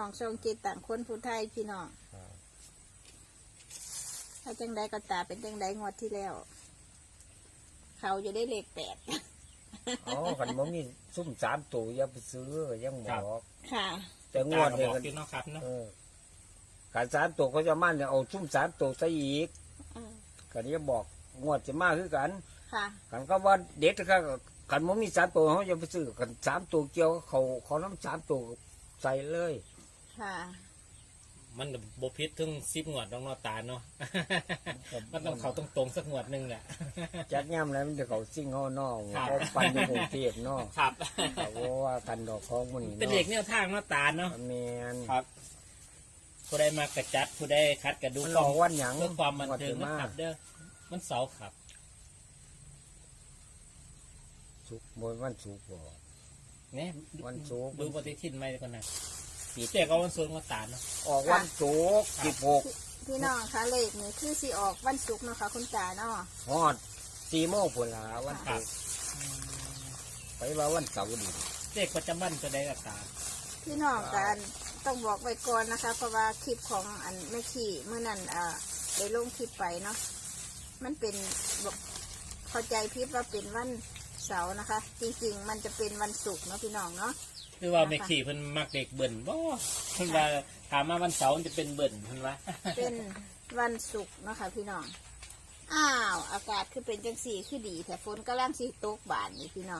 องช่องจิตต่างคนผู้ไทยพี่น้องถ้าจังใดก็ตาเป็นจังใดงวดที่แล้ว เขาจะได้เลข8 อ๋อคันบ่มีซุ่ม3ตัวอย่าไปซื้อยังบอกค่ะแต่งวดเนี่ยกินเนาะครับเนาะขัน3ตัวเขาจะมั่นเนี่ยเอาซุ่ม3ตัวซะอีกกันนี้บอกงวดจะมาคือกันค่ะกันก็ว่าเด็กก็กันบ่มี3ตัวเขาจะไปซื้อกัน3ตัวเกี่ยวเขาน้ำ3ตัวใส่เลยค่ะมันบพิษถึง10 งวดน้องนอตาเนาะ มันต้องเขาตรงๆสักงวดนึงแหละจัดย่ำแล้วมันจะเขาซิ่งเขานอกเขาปันอยู่กรุงเทพนอกครับเพราะว่ากันดอกของมันนี่เป็นเด็กแนวทางนอตาเนาะแมนครับผู้ใดมากระจัดผู้ใดคัดกระดูกวันหยังเพื่อความบันเทิงนะครับเด้อมันเสาร์ครับสุกบนวันสุกบ่เนี่ยวันสุกดูปฏิทินไม่ก่อนนะเจ๊ก็วันศุกร์นอตาเนาะออกวันสุก16 พี่น้องคะเลขนี่คือสิออกวันศุกร์เนาะค่ะคุณตาเนาะฮอด4 โมงพุ่นล่ะวันศุกร์ไปว่าวันเสาร์ดิเจ๊ประจำวันจะได้กับตาพี่น้องกันต้องบอกไว้ก่อนนะคะเพราะว่าคลิปของอันไม่ขี่เมื่อนั้นได้ลงคลิปไปเนาะมันเป็นเข้าใจพิดว่าเป็นวันเสาร์นะคะ จริงๆมันจะเป็นวันศุกร์เนาะพี่น้องเนาะคือว่าไม่ขี่เพิ่นมักเด็กเบิ่นบ่เพิ่นว่าถามมาวันเสาร์จะเป็นเบิ่นเพิ่นว่าเป็นวันศุกร์เนาะค่ะพี่น้องอ้าวอากาศคือเป็นจังสีคือดีแต่ฝนกำลังสิตกบานนี่พี่น้อง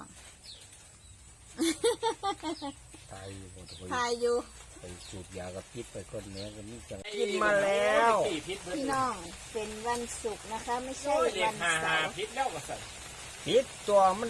ตายอยู่ไปสูบยากับพิษไปคนเนี้ยกันนี่จะกินมาแล้วพี่น้องเป็นวันศุกร์นะคะไม่ใช่วันเสาร์พิษแล้วก็สั่นพิษตัวมัน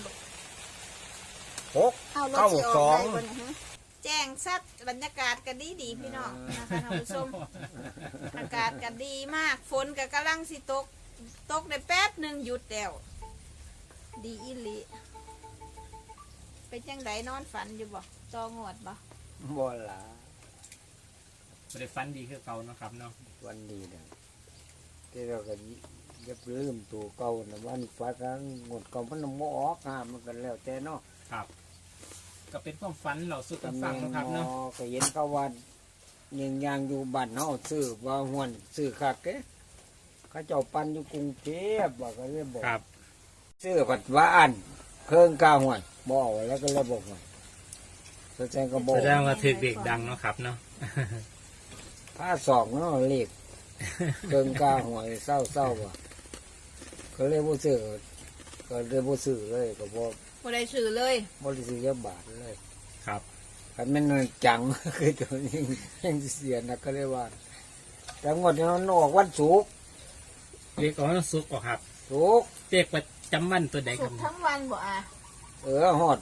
692แจ้งซัดบรรยากาศกันดีพี่น้องนะคะท่านผู้ชมอากาศกันดีมากฝนก็กำลังสิตกได้แป๊บหนึ่งหยุดแล้วดีอิลิเป็นจังไดนอนฝันอยู่บ่ตองวดบ่ล่ะบ่ได้ฝันดีคือเก่าเนาะครับเนาะวันดีนะที่เราก็อย่าลืมตัวเก่านะวันฟ้ากันงดเก่ามันบ่ออกมันกันแล้วแต่เนาะครับก็เป็นความฝันเราสุดกันฟังนะครับเนาะก็เห็นเขาว่ายังอยู่บ้านเฮาซื้อว่าห้วนซื้อคักเด้เขาเจ้าปันอยู่กรุงเทพว่าก็เลยบอกครับซื้อผัดว่าอันเครื่องกาห้วนบ่เอาแล้วก็เลยบอกว่าแสดงว่าถึกเด็กดังเนาะครับเนาะผ้าสองเนาะเลขเครื่องกาห้วยเศร้าว่ะก็เลยบ่ซื้อเลยก็บ่ได้ซื้อเลยบ่ได้ซื้อเยอะบาทเลยครับคันมันจังคือตัวนี้ยังเสียนะก็เลยว่าแต่งวดนี้มันออกวันศุกร์เด็กออกวันศุกร์ครับศุกร์เด็กประจำวันตัวใดครับทั้งวันบ่ฮอด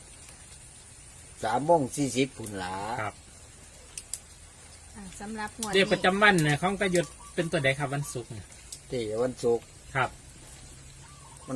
3:40พุ่นล่ะครับสำหรับงวดเด็กประจำวันเนี่ยของกระยุดเป็นตัวใดครับวันศุกร์ที่วันศุกร์ครับมัน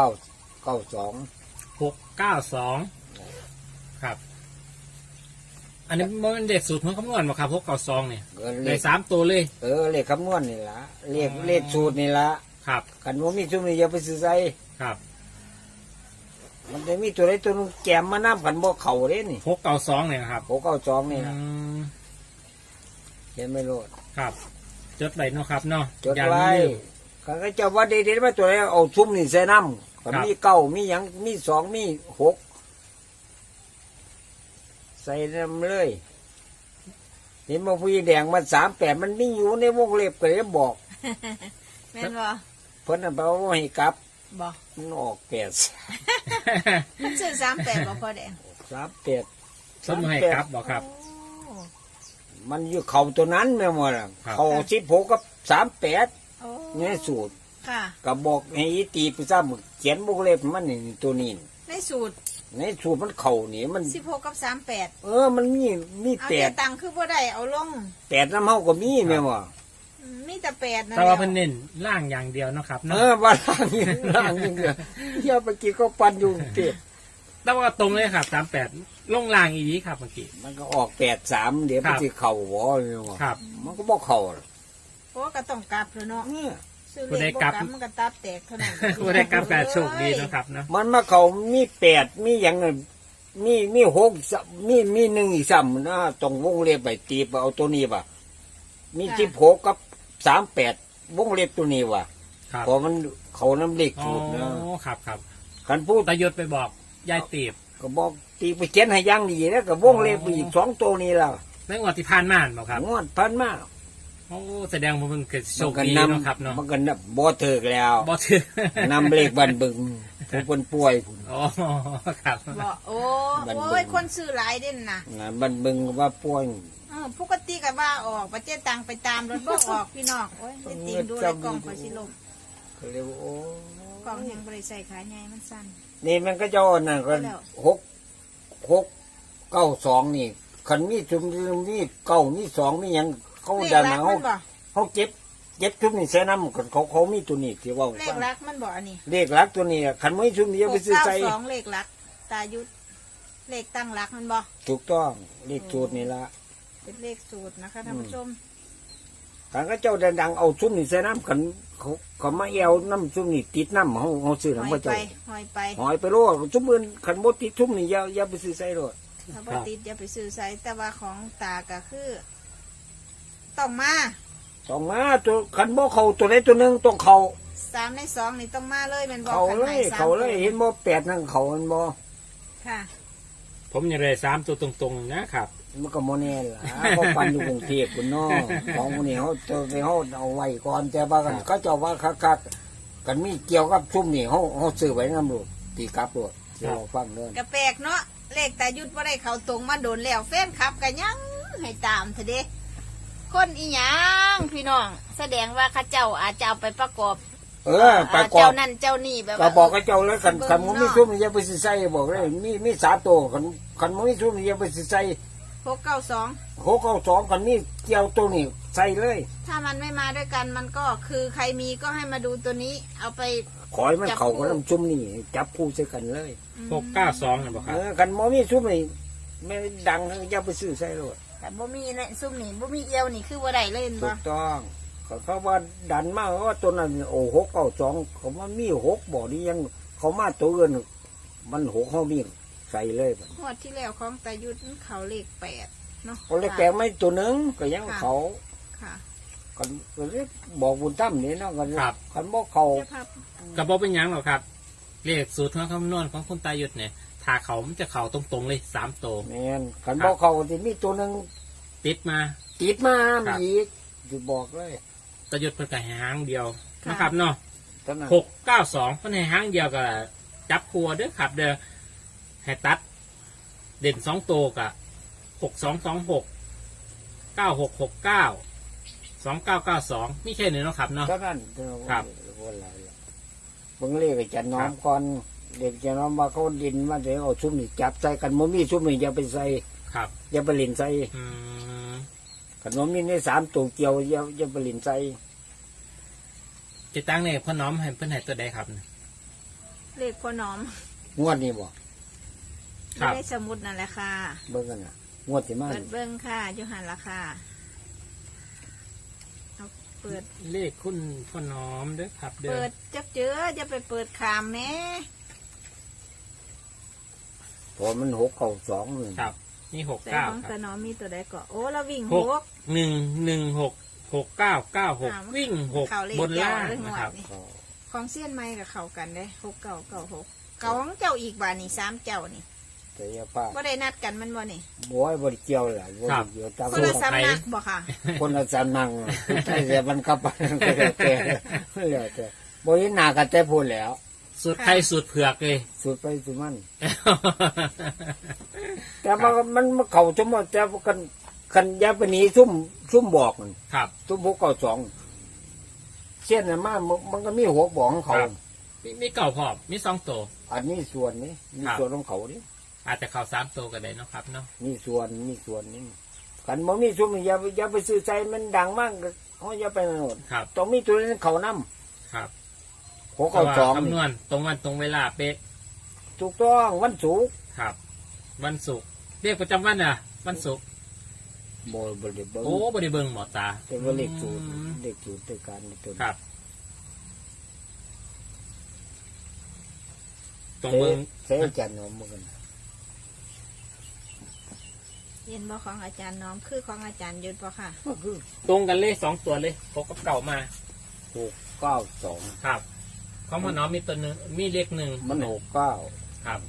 692ครับอันนี้มันเด็กสูตรของคำนวณบ่ครับ692เนี่ยได้3ตัวเลยเลขคำนวณนี่ล่ะเลขสูตรนี่ล่ะครับคันบ่มีซุมนี้อย่าไปซื้อใส่ครับมันจะมีตัวใดตัวนึงแกมมานำกันบ่เข้าเด้นี่ 692เนี่ยครับ 692นี่ล่ะเห็นไหมโลดครับจดไว้เนาะครับเนาะจดไว้คันก็เจ้าว่าเด็ดๆมาตัวใดเอาซุมนี่ใส่นำก็มี9มีหยังมี2มี6ใส่นำเลยเห็นบ่ผู้แดงมัน38มันมีอยู่ในวงเล็บก็เลยบอกแม่นบ่เพิ่นน่ะบ่ให้กลับบ่มันออก 8มันซื้อ38บ่พอแดง 38 สมให้กลับบ่ครับมันอยู่เข้าตัวนั้นแม่นบ่ล่ะเข้า16กับ38นี่สูตรค่ะก็บอกให้ตีไปซ้ำเขียนวงเล็บมันนี่ตัวนี้ในสูตรมันเข่านี่มัน 16กับ38 มันมี 8เอาตังค์คือบ่ได้เอาลง 8น้ำเฮาก็มีแม่นบ่มีแต่8นั่นแต่ว่าเพิ่นเน้นล่างอย่างเดียวเนาะครับเนาะว่าล่างอย่างเดียวอย่าไปกินก็ปั่นอยู่เต็มแต่ว่าตรงเลยครับ38ลงล่างอีหลีครับเมื่อกี้มันก็ออก83เดี๋ยวมันสิเข้าบ่แม่นบ่ครับมันก็บ่เข้าเพราะก็ต้องกลับเนาะผู้ใดกลับมันก็ตับแตกเท่านั้นผู้ใดกลับก็โชคดีนะครับเนาะมันมาเข้ามี8มีหยังมีหกมีหนึ่งอีกซ้ำนะต้องวงเล็บไปตีบเอาตัวนี้ว่ะมี16กับ38วงเล็บตัวนี้ว่ะครับเพอมันเขาน้ำเล็กอ๋อสูตรนะครับครับคันพูดตายศไปบอกยายตีบก็บอกตีไปเขียนให้อยังดีแล้วก็วงเล็บไปอีก2ตัวนี้แล้วในงวดที่ผ่านมาบอกครับงวดพันมาโอ้แสดงว่ามันเกิดโชมันคก็ดีนเนาะครับเนาะำมันก็นำบ่เถิกแล้วบ่ถือนำเลขบันบึงผู้เป็นป่วยพุ่นอ๋อครับบอกโอ้บันโอ้เบิ่ยงคนซื้อหลายเด่นนะงานบันบึงว่าป่วยปกติก็ว่าออกประเจ๊ตังไปตามรถบ่ออกพี่น้องโอ้ยได้ติงดูเลยกล่องคอยสิลมก็เลยว่าโอ้กล่องแห่งบริใส่ขายไงมันสั้นนี่มันก็เจ้านั่นก็แล้ว 6 9 2นี่คันมีชุมมี9มี2มีหยังเขาเลขดันรักเขามันบ่เขาเจ็บชุมนี่ใส่น้ำเขามีตัวนี้ที่ว่าเลขรักมันบ่อันนี้เลขลักตัวนี้คันไม่ชุมนี่จะไปซื้อใส่ 692เลขรัก ตายุทธเลขตั้งรักมันบ่ถูกต้องเลขสูตรนี่ละเป็นเลขสูตรนะคะท่านผู้ชมทางก็เจ้าดังๆเอาชุมนี่ใส่น้ำคันเขามาแอวน้ำชุมนี่ติดน้ำเขาซื้อหอน้ำยพระไปเจ้าหอยไปหอยไปโลดชุมอื่นคันโมติดชุมนี่อย่าไปซื้อใส่โลดถ้าบ่ติดอย่าไปซื้อใส่แต่ว่าของตาก็คือ ต้องมาต้องมาตัวคันโมเขาตัวใดตัวหนึ่งต้องเขา 3 ใน 2นี่ต้องมาเลยแมันบอกเขาขันเลไหนย 3 เขาเลยเห็นโม8นั่งเขามันโมค่ะผมยังได้3ตัวตรงๆนะครับมันก็โมแน่ล่ะเขาปันอยู่กรุงเทพคุณน้อของพวกนี้เขาจะไปเขาเอาไว้ก่อนแต่ว่ากันเขาเจ้าว่าคักๆกันมีเกี่ยวกับชุมนี่เขาซื้อไว้น้ำลูกตีกลับโลดเดี๋ยวเราฟังเดินกระแปลกเนาะเลขตายุทธว่าได้เขาตรงมาโดนแล้วแฟนคลับกันยังให้ตามเถอะเด้คนอีหยังพี่น้อง แสดงว่าเข้าเจ้าอาจจะเอาไปประกอบไปกอเจ้าบนั่นเจ้านี่แบบก็ว่าบอกกับเจ้าแล้วคันมันมีชุมนี่อย่าไปซื้อใส่บอกเลยมี3ตัวคันมันมีชุมนี่อย่าไปซื้อใส่ 692 6 9 2คันมีเกี่ยวตัวนี้ใส่เลยถ้ามันไม่มาด้วยกันมันก็คือใครมีก็ให้มาดูตัวนี้ เอาไปขอให้มันเข้ากับน้ำชุมนี่จับคู่ใส่กันเลย 692นะบอกครับคันมันมีชุมนี่ไม่ดังอย่าไปซื้อใส่โลดแต่บ่มีเนี่ยซุ่มนี่บ่มีเอียวนี่คือว่าได้เล่นถูบ่กต้องเขาว่าดันมากว่าตัวนั้นโอ้6 9 2เขาว่ามี6บ่นี่ยังเขามาตัวอื่นมัน6เขามีใส่เลยบัดงวดที่แล้วของตายุทธมันเขาเลข8เนาะเขาเลยแปลงไม่ตัวหนึงก็ยังเขาค่ะกันก็เรียกบอกบุญตั้มนี่เนาะกันครับกันบอกเขาเจ้าภาพกระบอกเป็นหยังหรอกครับ เลขสูตรของคำนวณของคุณตายศเนี่ยถ้าเขามันจะเข่าตรงๆเลย3ตัวแม่นกันบอกเขาที่มีตัวหนึงติดมาติดมาครับอีกจะบอกเลยตายศเพิ่นก็ให้หางเดียวนะครับเนาะเท่านั้น 692เพิ่นให้หางเดียวก็จับครัวเด้อครับ เด้อให้ตัด เด่น2ตัวกับ6226 9669 2992นี่แค่นี้เนาะครับเนาะเท่านั้นครับวันไรเบิ่งเลขให้จันน้อมก่อนเด็กจันน้อมว่าเขาดินมาเดี๋ยวเอาชุ่มนี่จับใส่กันมันมีชุ่มนี่อย่าไปใส่ครับอย่าไปเล่นใส่อืมขนมมีใน3ตัวเกี่ยวอย่าไปเล่นใส่จะตั้งเนี่ยพ่อน้อมให้เพิ่นให้ตัวใดครับเลขพ่อน้อมงวดนี้บ่ครับไม่ได้สมุดนั่นแหละค่ะเบิ่งกันน่ะงวดที่มาเปิดเบิ้งค่ะอยู่หันละค่ะเอาเปิดเลขคุณพ่อน้อมเด้อครับ เด้เปิอดจับเจอจะไปเปิดขามแม่พอมัน6 9 2นี่ครับนี่หกแต่เก้าของคตารับน้อมมีตัวใดก็โอ้เราวิ่งหหกก 116 วิ่งหกเขาเลขบนล่างเจ้าเลยหมวดนะครับนี่ ของเสี้ยนไม้กับเขากันได้6996เก่าของเจ้าอีกบาทนี่3เจ้านี่แต่อย่าป้าว่าได้นัดกันมันบ่นี่บ่ให้บ่ได้เกี่ยวล่ะบ่ได้เกี่ยวตามคนละสำนักบ่ค่ะคนละสำนักใช่แต่มันก็ไปก็แล้วแต่แล้วแต่บ่เห็นหน้ากันแต่พูดแล้วสูตรไทยสูตรเผือกเลยสุดไปสุดมัน แต่มันเข้าสมมุติแต่คันอย่าไปหนีซุ่มบอกมันครับซุ่ม6 9 2เส้นน่ะมันก็มี6บอกของเขาครับ มีเก่าพอบมี2ตัวอันนี้ส่วนนี้มีครับส่วนของเขานี่อาจจะเข้า3ตัวก็ได้เนาะครับเนาะมีส่วนนี่กันบ่มีซุ่มอย่าไปซื้อใจมันดังมากเฮาอย่าไปนั่นโน่นครับต้องมีตัวนั้นเขานำครับ 6 เพราะว่า 9 2 คำนวณตรงวันตรงเวลาเป๊ะถูกต้องวันศุกร์ครับ วันศุกร์เรียกประจำวันอ่ะ วันศุกร์บ่ได้เบิ่งโอ้บริเบิงหมอตาแต่ว่าเลขสูตรอืมเลขสูตรในการตัวครับ ตรงเสเบิงเสจันทร์เอามากันเห็นบ่ของอาจารย์น้อมคือของอาจารย์ยุทธบ่ค่ะก็คือตรงกันเลยสองตัวเลยพกกับเก่ามา 692 ครับของพ่อน้อมมีตัวหนึ่งมีเลขหนึ่งมัน69 ครับ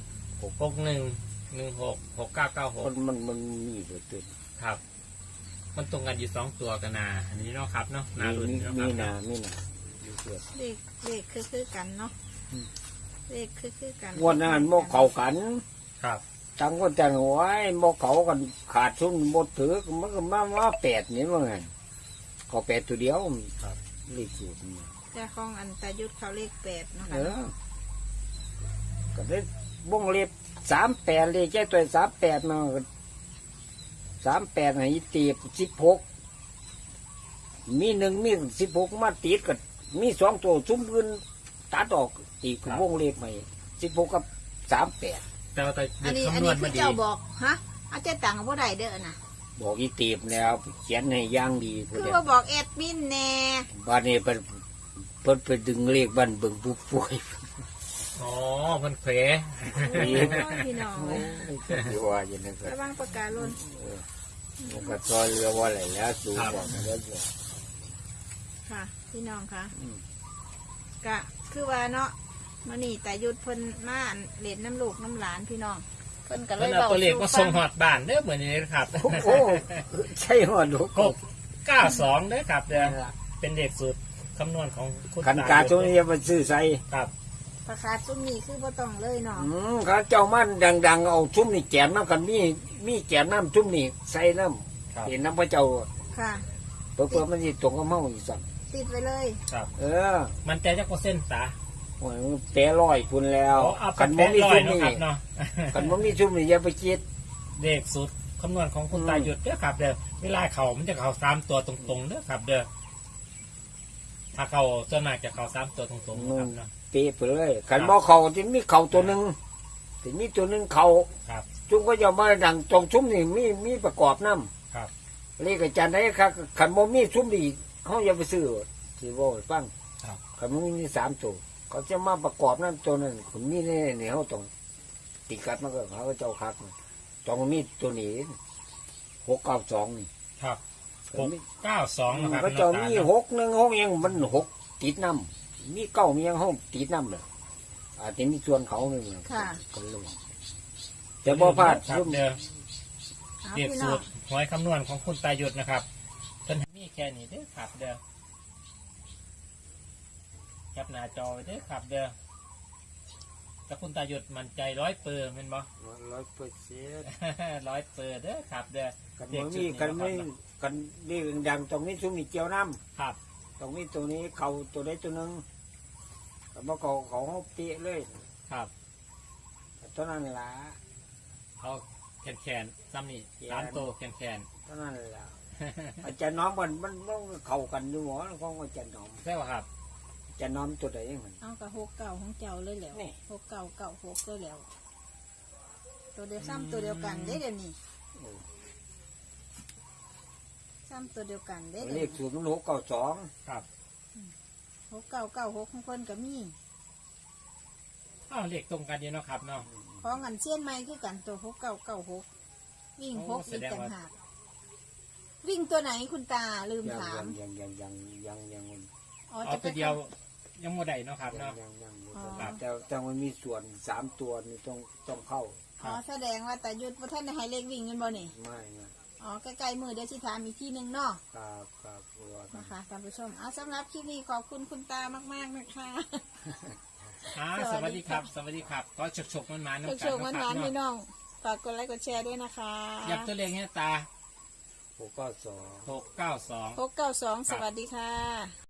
61166996 มันมีตัวตึงครับ มันตรงกันอยู่สองตัวกันนาอันนี้เนาะครับเนาะนารุ่นมีเนาะคมีรับนามีนาอยู่เกิดเลขคือกันเนาะเลขคือกันวันนั้นบ่เข้ากันครับจังก็จังไว้บ่เข้ากันขาดทุนบ่ถือมันก็มา8นี่ว่าไงก็8ตัวเดียวครับเลขสูตรนี่แต่ของอันตายุทธเขาเลข8เนาะเอค่ะอก็ได้วงเล็บ38เลยแค่ตัว38มา38ให้ตี16มี1มี16มาติดก็มี2ตัวซุ้มอื่นตัดออกตีคือวงเล็บใหม่16กับ38 แต่ว่าแต่อันนี้คำนวณคืมาอดีเจ้าบอกฮะอาจารย์ต่างกับบ่ได้เด้อน่ะบอกอีตีบแล้วเขียนให้ย่างดีพุ่นคือแหล้ว่าบอกแอดมินแน่บ้านนี้เพิ่นไปดึงเลขบ้านเบิ่งผู้ป่วยอ๋อมันเขวโอ้ยพี่น้องเลยที่ว่าอย่างนั้นก็ระวังปากกาหล่นมันก็ซอยเรือว่าอะไรแล้วสูงบอกมาแล้วบอกค่ะ พี่น้องค่ะอืมกะคือว่าเนาะมื้อนี้ตายุทธเพิ่นมาเล่นน้ำลูกน้ำหลานพี่น้องเพิ่นก็เลเพิ่นยเอาเว้าตัวเลขมาสู่ส่งหอดบ้านเด้อเหมือนนี้นะครับโอ้โหใช่หัวดูกบ 692เด้อครับเด้อเป็นเลขสูตรคำนวณของคุณขันกาตรงนี้มันซื้อใส่ครับประกาศซุ่มนี้คือบ่ต้องเลยเนาะเขาเจ้ามันดังๆเอาชุ่มนี่แกมน้ำกันมีแกมน้ำชุ่มนี่ใส่น้ครับำเห็นน้ำพระเจ้าค่ะเพื่อมันสิตรงกับเมาอีกสักติดไว้เลยครับเออมันใจจักเปอร์เซ็นต์ตาโอ้ยมันแปรลอยพุ่นแล้วเอาขันแปบ่ดมีร้อยชุ่มเนาะนี่ครับเนาะขันบ่มีชุ่มนี่อย่าไปคิดเลขสูตรคำนวณของคุณตาหยุดเด้อครับเด้อเวลาเขามันจะเขา3ตัวตรงๆเด้อครับ เด้อถ้าเขาส่วนมากจะเขา3ตัวตรงๆนะครับเนาะเตะไปเลยขันบ่เขาที่มีเขาตัวหนึ่งที่มีตัวหนึ่งเขาครับจุ่มก็จะมาดังตรงชุ่มนี่มีประกอบน้ครับำเลขอาจารย์ได้ครับขันบ่มีชุ่มนี่เขาอย่าไปซื้อสิบ่ให้ฟังครับขันบ่มี3ตัวเขาจะมาประกอบน้ำตัวนั้นคุณมีแน่เนี่ยเขาต้องติดกัดมันก็เขาก็เจ้าคักต้องมีตัวนี้692นี่ครับก็มี 692นะครับเขาเจ้ามี616ยังมัน6ติดน้ำมี9มียังเขาติดน้ำเลยอาจจะมีส่วนเขาหนึ่งค่ะก็ลงแต่บ่พลาดครับซุ่มเด้อเอาเรียกพี่สูน้องตรหวยคำนวณของคุณตาหยุดนะครับเพิ่นมีแค่นี้เด้อครับ เด้อแคปหน้าจอไว้เด้อครับ เด้อถ้าคุณตาหยุดมั่นใจ100%แม่นบ่ 100% 100%เด้อครับ เด้อกันบ่มีกันไม่กันนี่ดังตรงนี้ซุ่มนี่เจียวน้ครับำตรงนี้ตัวนี้เขาตัวใดตัวหนึ่งกันบ่เขาเขาเปียเลยครับตัวนั้นล่ะเอาแขนซ้ำนี่แขน 3ตัวแขนตัวนั้นล่ะอาจารย์น้อมมันเข้ากันอยู่หมอของอาจารย์น้อมใช่ป่ะครับอาจารย์น้อมตัวใดมันเอากับ69ของเจ้าเลยแล้วนี่ 6996เลยแล้ว ตัวเดียวซ้ำตัวเดียวกันเด้เดี๋ยวนี้ซ้ำตัวเดียวกันเด้เลเดี๋ยวขนี้ศูนย์มัน692 ครับ 6996ของเพิ่นก็มีอ้าวเลขตรงกันอยู่เนาะครับเนาะของอันเชียนใหม่คือกันตัว6996วิ่งโอ้ 6 แสอีกดงต่างว่าหากวิ่งตัวไหนคุณตาลืมยังถามยังอ๋อเอาจะตัวเดียวยังโมได้เนาะครับเนาะ ครับแต่มันมีส่วน3ตัวนี่ต้องเข้าอ๋อแสดงว่าแต่ยุดว่าท่านให้เลขวิ่งกันบ่นี่ไม่นะอ๋อใกล้ๆมือเดี๋ยวสิถามอีกที่หนึ่งเนาะครับตัวนะคะท่านผู้ชมเอาสำหรับคลิปนี้ขอบคุณคุณตามากๆนะคะสวัสดีครับ สวัสดีครับ ก็ฉกๆมันมาๆเนาะโชคๆหวานๆพี่น้องฝากกดไลค์กดแชร์ด้วยนะคะยับตัวเลขให้ตา 692 692 692 สวัสดีค่ะ